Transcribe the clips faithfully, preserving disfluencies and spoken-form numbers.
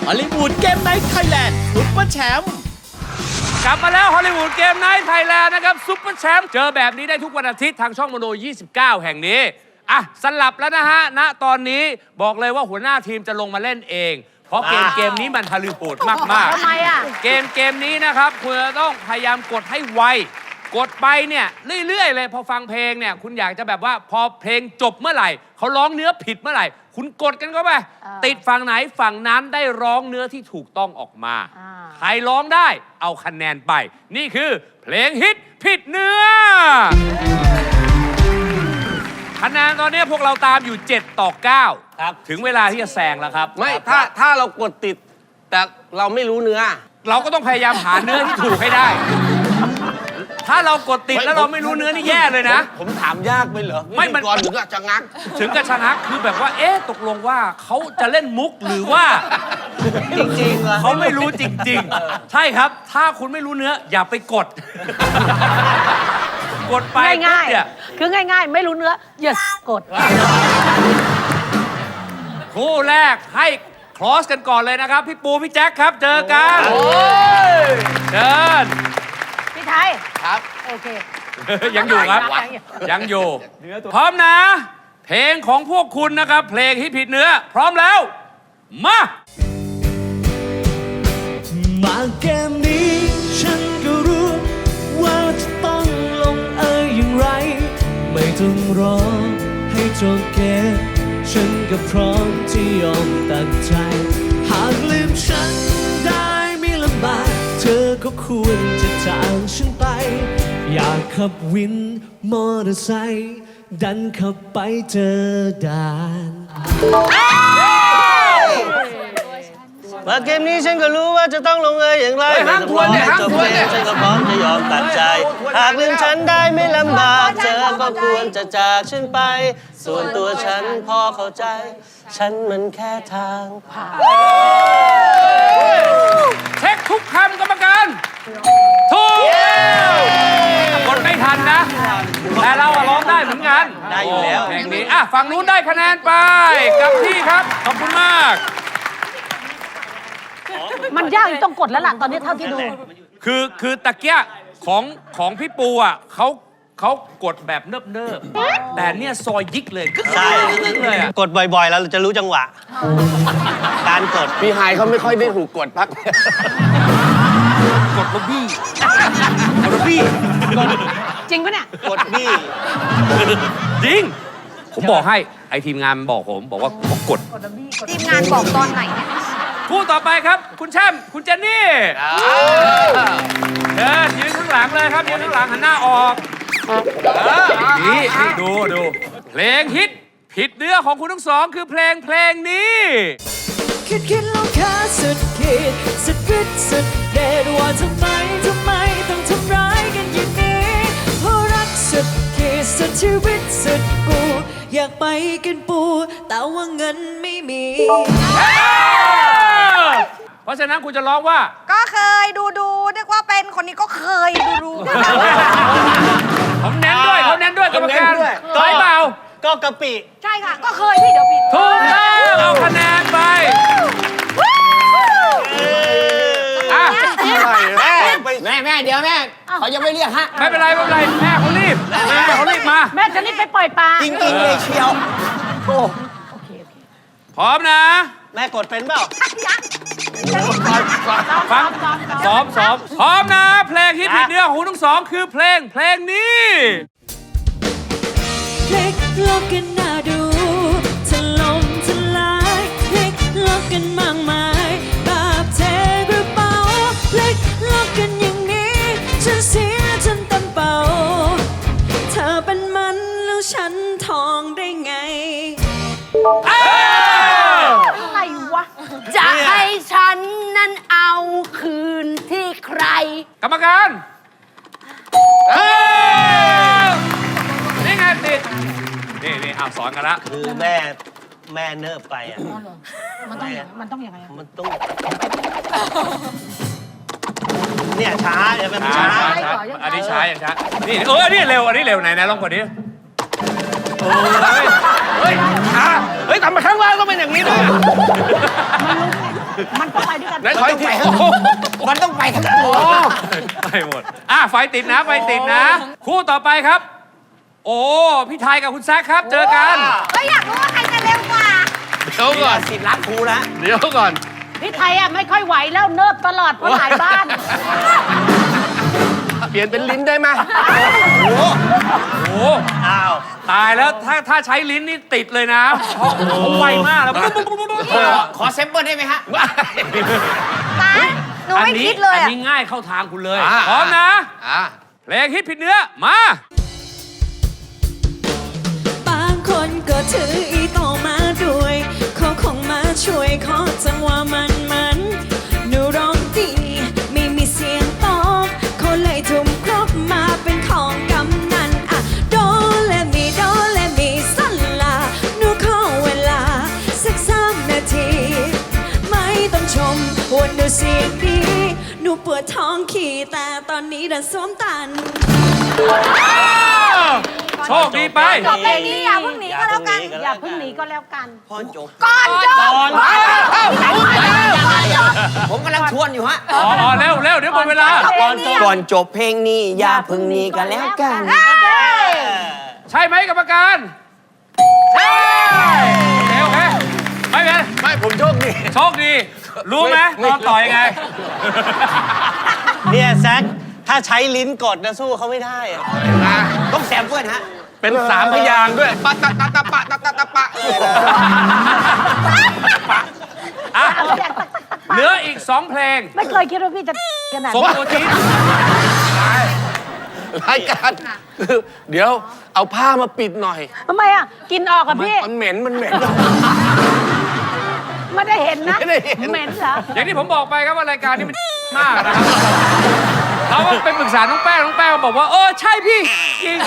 ฮอลลีวูดเกมไนท์ไทยแลนด์ซุปเปอร์แชมป์กลับมาแล้วฮอลลีวูดเกมไนท์ไทยแลนด์นะครับซุปเปอร์แชมป์เจอแบบนี้ได้ทุกวันอาทิตย์ทางช่องโมโนยี่สิบเก้าแห่งนี้อ่ะสลับแล้วนะฮะณตอนนี้บอกเลยว่าหัวหน้าทีมจะลงมาเล่นเองเพราะเกมเกมนี้มันฮอลลีวูดมากๆทำไมอ่ะเกมเกมนี้นะครับคุณจะต้องพยายามกดให้ไวกดไปเนี่ยเรื่อยๆเลยพอฟังเพลงเนี่ยคุณอยากจะแบบว่าพอเพลงจบเมื่อไหร่เขาร้องเนื้อผิดเมื่อไหร่คุณกดกันเข้าไปติดฝั่งไหนฝั่งนั้นได้ร้องเนื้อที่ถูกต้องออกมาใครร้องได้เอาคะแนนไปนี่คือเพลงฮิตผิดเนื้อคะแนนตอนนี้พวกเราตามอยู่เจ็ดต่อเก้าครับถึงเวลาที่จะแซงแล้วครับไม่ถ้าถ้าเรากดติดแต่เราไม่รู้เนื้อเราก็ต้องพยายามหาเนื้อที่ถูกให้ได้ถ้าเรากดติดแล้วเราไม่รู้เนื้อนี่แย่เลยนะผมถามยากไปเหรอไม่มันก่อนถึงกับจะงักถึงกับชนะคือแบบว่าเอ๊ะตกลงว่าเขาจะเล่นมุกหรือว่าจริงๆเขาไม่รู้จริงๆใช่ครับถ้าคุณไม่รู้เนื้ออย่าไปกดกดไปง่ายๆคือง่ายๆไม่รู้เนื้อ yes กดคู่แรกให้ครอสกันก่อนเลยนะครับพี่ปูพี่แจ็คครับเจอกันเชิญพี่ไทยครับโอเคยังอยู่ครับยังอยู่พร้อมนะเพลงของพวกคุณนะครับเพลงที่ผิดเนื้อพร้อมแล้วมามาเกมนี้ฉันก็รู้ว่าจะต้องลงเอยอย่างไรไม่ต้องรอให้จบเกมฉันก็พร้อมที่ยอมตัดใจหากลืมฉันได้ไม่ลำบากเธอก็ควรจะจากฉันไปอยากขับวินมอเตอร์ไซค์ดันขับไปเจอด่านมาเกมนี้ฉันก็รู้ว่าจะต้องลงเอยอย่างไรห้ามทวนเนี่ยห้ามทวนเนี่ยฉันก็พร้อมจะยอมตัดใจหากลืมฉันได้ไม่ลำบากเธอก็ควรจะจากฉันไปส่วนตัวฉันพอเข้าใจฉันมันแค่ทางผ่านเช็คทุกคำกรรมการถูกกดไม่ทันนะแต่เราร้องได้เหมือนกันได้อยู่แล้วเพลงนี้อ่ะฝั่งนู้นได้คะแนนไปกับพี่ครับขอบคุณมากมันยากต้องกดแล้วล่ะตอนนี้เท่าที่ดูคือคือตะเกียของของพี่ปูอ่ะเขาเขากดแบบเนิบเนิบแต่เนี่ยซอยยิกเลยใช่เลยอ่ะกดบ่อยๆแล้วเราจะรู้จังหวะการกดพี่ไฮเขาไม่ค่อยได้ถูกกดพักกดลบี้กดลบี้จริงปะเนี่ยกดบี้จริงผมบอกให้ไอทีมงานบอกผมบอกว่าบอกกดทีมงานบอกตอนไหนเนี่ยคู่ต่อไปครับคุณแชมป์คุณเจนนี่เดินยืนข้างหลังเลยครับยืนข้างหลังหันหน้าออกนี่นี่ดูดูเพลงฮิตผิดเนื้อของคุณทั้งสองคือเพลงเพลงนี้คิดคิดแล้วค่าสุดขีดสุดฤทธิ์สุดเดชว่าทำไมทำไมต้องทำร้ายกันอย่างนี้เพราะรักสุดขีดสุดชีวิตสุดกูอยากไปกินปูแต่ว่าเงินไม่มีเพราะฉะนั้นคุณจะร้องว่าก็เคยดูดูนึกว่าเป็นคนนี้ก็เคยดูดูผมเน้นด้วยเขาเน้นด้วยกรรมการใช่เปล่าก็กะปิใช่ค่ะก็เคยพี่เดี๋ยวผิดถูกต้องเอาคะแนนไปแม่แม่เดี๋ยวแม่เขายังไม่เรียกฮะไม่เป็นไรไม่เป็นไรแม่เขารีบแม่เขารีบมาแม่จะรีบไปปล่อยปลาจริงๆเลยเชียวโอ้โอเคโอเคพร้อมนะแม่กดเป็นเปล่าฟังซ้อมซ้อมพร้อมนะเพลงฮิตผิดเนื้อของคุณทั้งสองคือเพลงเพลงนี้พลิกโลกกันน่าดูถล่มทลายพลิกโลกกันมากมายแบบเทกระเป๋าพลิกโลกกันอย่างนี้ฉันเสียจนเต็มเป่าเธอเป็นมันแล้วฉันทองได้ไงอะไรวะจะให้ฉันนั้นเอาคืนที่ใครกรรมการนี่ไงติดนี่นี่อ่ะสอนกันละคือแม่แม่เนิบไปอ่ะมันต้องมันต้องยังไงมันต้องเนี่ยช้าเดี๋ยวมันช้าอันนี้ช้าอย่างช้านี่เอออันนี้เร็วอันนี้เร็วไหนไหนลองกดดิโอ้ยเฮ้ยช้าเฮ้ยทำมาข้างล่างก็เป็นอย่างนี้ด้วยมันต้องไปด้วยกันไหนขออีกทีมันต้องไปทั้งตัวไปหมด อ่ะ ไฟติดนะ ไฟติดนะ คู่ต่อไปครับ โอ้ พี่ไทยกับคุณแซคครับ เจอกันก็อยากรู้ว่าใครจะเร็วกว่าเดี๋ยวก่อนสิทธิ์รักครูนะเดี๋ยวก่อนพี่ไทยอ่ะไม่ค่อยไหวแล้วเนิบตลอดเพราะหลายบ้านเปลี่ยนเป็นลิ้นได้ไหมโอ้โหอ้าวตายแล้ว ถ้าถ้าใช้ลิ้นนี่ติดเลยนะเพราะเขาไวมากแล้วปุ๊บปุ๊บปุ๊บปุ๊บขอเซมเปิลได้ไหมฮะป้าหนูไม่คิดเลยอันอะนี้ง่ายเข้าทางคุณเลยอ่าพร้อมนะอ่าเพลงฮิตผิดเนื้อ มาบางคนก็ถืออีโตมาด้วยเขาคงมาช่วยขอจังหวะมันมันหนูร้องดีไม่มีเสียงตอบเขาเลยทุ่มครบมาเป็นของกำนันอะโดและมีโดและมีสันลาหนูขอเวลาสักสามนาที ไม่ต้องชมว่าหนูเสียงดีหนูปวดท้องขี่แต่ตอนนี้ดันสวมตันโชคดีไปจบเพลงนี้อย่าเพิ่งหนีก็แล้วกันอย่าเพิ่งหนีก็แล้วกันพอจบก่อนจบก่อนผมกำลังทวนอยู่ฮะอ๋ออ๋อเร็วเร็วเดี๋ยวหมดเวลาก่อนจบก่อนจบเพลงนี้อย่าพึ่งหนี้กันแล้วกันใช่ไหมกรรมการ ใช่โอเคโอเคไม่เป็นไม่ ผมโชคดีโชคดี รู้ไหมตอนต่อยยังไงเนี่ยแซคถ้าใช้ลิ้นกดนะสู้เขาไม่ได้อะต้องแซมเพื่อนฮะเป็นสามพยางค์ด้วย ปะตะตะตะปะตะตะตะปะอ่ะ เหลืออีกสองเพลงไม่เคยคิดว่าพี่จะขนาดสมนี้ตัวจี๊ดรายการคือเดี๋ยวเอาผ้ามาปิดหน่อยทำไมอ่ะ กินออกกับพี่มันเหม็น มันเหม็นไม่ได้เห็นนะไม่ได้เห็นเหม็นเหรออย่างที่ผมบอกไปครับว่ารายการนี้มันมากนะครับเราก็ไปปรึกษาน้องแป้งน้องแป้งบอกว่าเออใช่พี่จริง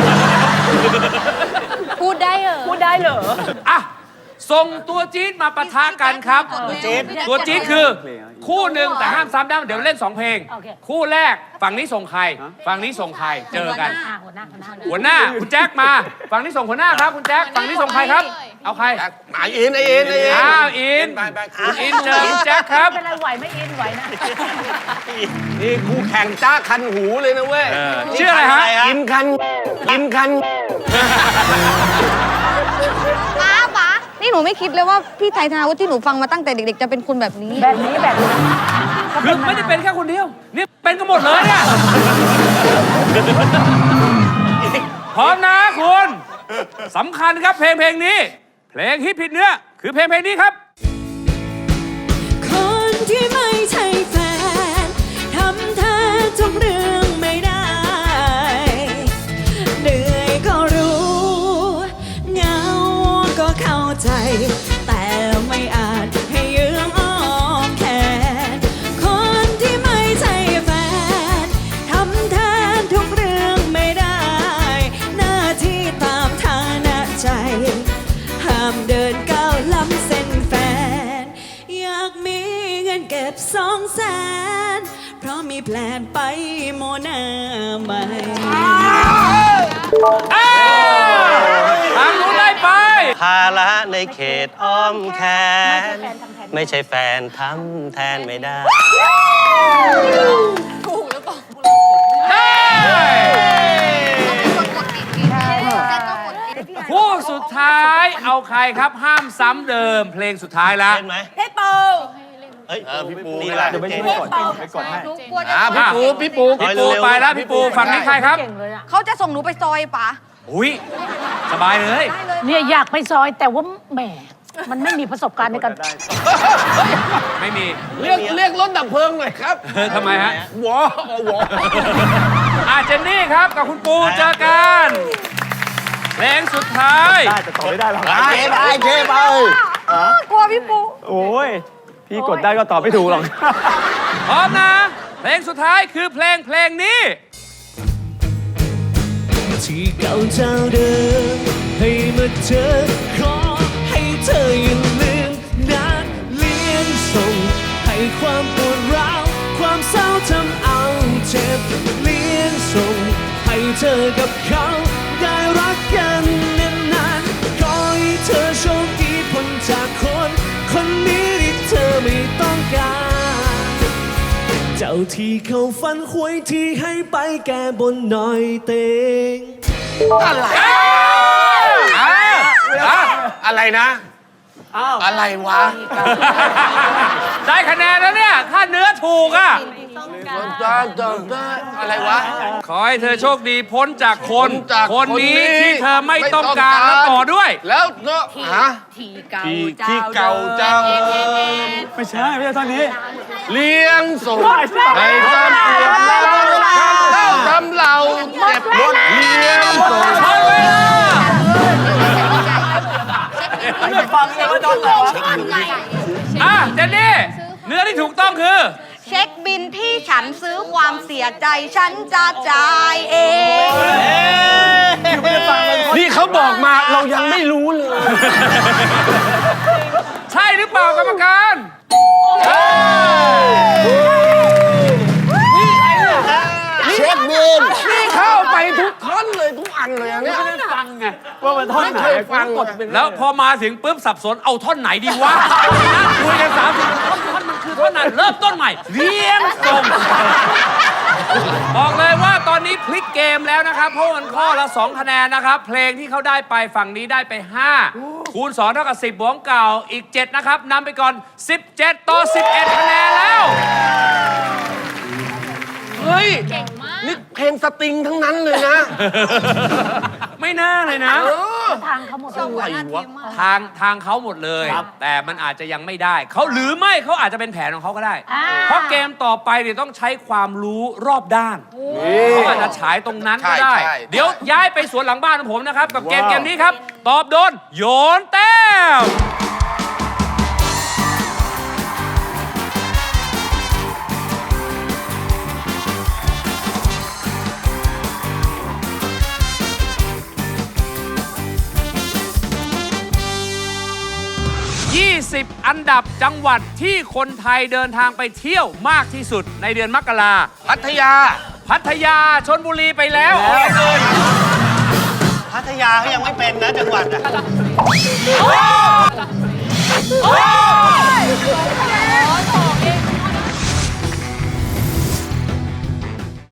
พูดได้เหรอพูดได้เหรออ่ะส่งตัวจี๊ดมาปะทะกันครับตัวจี๊ดตัวจี๊ดคือคู่หนึ่งแต่ห้ามซ้ำได้เดี๋ยวเล่นสองเพลงโอเคคู่แรกฝั่งนี้ส่งใคร ฝั่งนี้ส่งใครเจอกันอ่ะหัวหน้าหัวหน้าเลยหัวหน้าคุณแจ็คมา ฝั่งนี้ส่งหัวหน้าครับคุณแจ็คฝั่งนี้ส่งใครครับ เอาใครไออินไออินไออินอ้าวอินไปไปคุณอินเจอคุณแจ็คครับเป็นไรไหวไม่อินไหวนะนี่คู่แข่งจ้าคันหูเลยนะเว้ยชื่ออะไรฮะอินคัน อินคันป้าป้านี่หนูไม่คิดเลยว่าพี่ไทยธนาวุฒิที่หนูฟังมาตั้งแต่เด็กๆ จะเป็นคนแบบนี้แบบนี้แบบนี้คือไม่ได้เป็นแค่คนเดียว นี่เป็นกันหมดเลยเนี่ยพร้อมนะคุณสำคัญครับเพลงเพลงนี้ เพลงฮิตผิดเนื้อ คือเพลงเพลงนี้ครับคนที่ไม่ใช่แฟนทำท่าทุกเรื่องไม่ได้ เหนื่อยก็รู้เหงาก็เข้าใจ แต่ไม่อาจให้ยืมอ้อมแขนคนที่ไม่ใช่แฟนทำแทนทุกเรื่องไม่ได้ หน้าที่ตามฐานะใจ ห้ามเดินก้าวล้ำเส้นแฟน อยากมีเงินเก็บสองแสน เพราะมีแพลนไปโมนาใหม่ทางนู้นได้ไปภาระในเขตอ้อมแขนไม่ไม่ใช่ใช่แฟนทำแทนไม่ได้คู่สุดท้ายเอาใครครับห้ามซ้ำเดิม เพลงสุดท้ายแล้วเล่นไหมพี่ปูเอ้ยเออพี่ปูนี่แหละเดี๋ยวไปเจช่นวยกดหนูกลัวจะอ่าพี่ปู พี่ปูพี่ปูไปแล้วพี่ปูฝั่งนี้ใครครับเก่งเลยอ่ะเขาจะส่งหนูไปซอยป๋าอุ้ยสบายเลยเนี่ยอยากไปซอยแต่ว่าแหมมันไม่มีประสบการณ์ในการไม่มีเรียกเรียกรถดับเพลิงหน่อยครับเออทำไมฮะวอวออาเจนนี่ครับกับคุณปูเจอกันเพลงสุดท้ายได้ได้เจ๊ไปกลัวพี่ปูโอ้ยพี่กดได้ก็ตอบไม่ถูกหรอกพร้อมนะ เพลงสุดท้ายคือเพลงเพลงนี้ที่เก่าเจ้าเดิมให้มาเจอขอให้เธออย่าลืมนัดเลี้ยงส่งให้ความปวดร้าวความเศร้าทำเอาเจ็บเลี้ยงส่งให้เธอกับเขาได้รักกันนานๆขอให้เธอโชคดีพ้นจากคนคนนี้ที่เธอไม่วที่เขาฟันหวยที่ให้ไปแก้บนหน่อยเตงอะไรอะไรนะอะไรวะได้คะแนนแล้วเนี่ย ถ้าเนื้อถูกอ่ะอะไรวะขอให้เธอโชคดีพ้นจากคนพ้นจากคนนี้คนนี้ที่เธอไม่ต้องการไม่ต้องการแล้วต่อด้วยแล้วก็ฮะที่เก่าที่ที่เก่าเจ้าไม่ใช่ ไม่ใช่ตอนนี้เลี้ยงส่งให้จำเปลี่ยนเล่าทำเราเจ็บปวดเลี้ยงส่งหมดเวลาฟังเลยว่าโดนเหรออ่ะเจนนี่ เนื้อที่ถูกต้องคือเช็คบินที่ฉันซื้อความเสียใจฉันจะจ่ายเองนี่เขาบอกมาเรายังไม่รู้เลยใช่หรือเปล่ากรรมการเช็คบินนี่เข้าไปทุกท่อนเลยทุกอันเลยอันเนี้ยว่ามันท่อนไม่ไหนเคยฟังเลยแล้วพอมาถึงปุ๊บสับสนเอาท่อนไหนดีวะนั่งคุยกันสามสิบท่อนท่อนมันคือท่อนไหนเริ่มต้นใหม่เลี้ยงส่งบอกเลยว่าตอนนี้พลิกเกมแล้วนะครับ เพราะมันข้อละสองคะแนนนะครับ เพลงที่เขาได้ไปฝั่งนี้ได้ไปห้าคูณสองเท่ากับสิบบวกเก่าอีกเจ็ดนะครับนำไปก่อนสิบเจ็ดต่อสิบเอ็ดคะแนนแล้วเฮ้ยนี่เพลงสตริงทั้งนั้นเลยนะไม่น่าเลยนะทางเขาหมดเลยอะไรวะทางทางเขาหมดเลย แต่มันอาจจะยังไม่ได้เขาหรือไม่เขาอาจจะเป็นแผนของเขาก็ได้ เพราะเกมต่อไปเนี่ยต้องใช้ความรู้รอบด้านเขาอาจจะฉายตรงนั้นก็ได้ใช่ใช่เดี๋ยวย้ายไปสวนหลังบ้านของผมนะครับ กับเกมเกมนี้ครับ ตอบโดนโยนแต้มยี่สิบ อันดับจังหวัดที่คนไทยเดินทางไปเที่ยวมากที่สุดในเดือนมกราพัทยาพัทยาชลบุรีไปแล้วเอาเลยพัทยาเขายังไม่เป็นนะจังหวัดอ่ะโอ้ย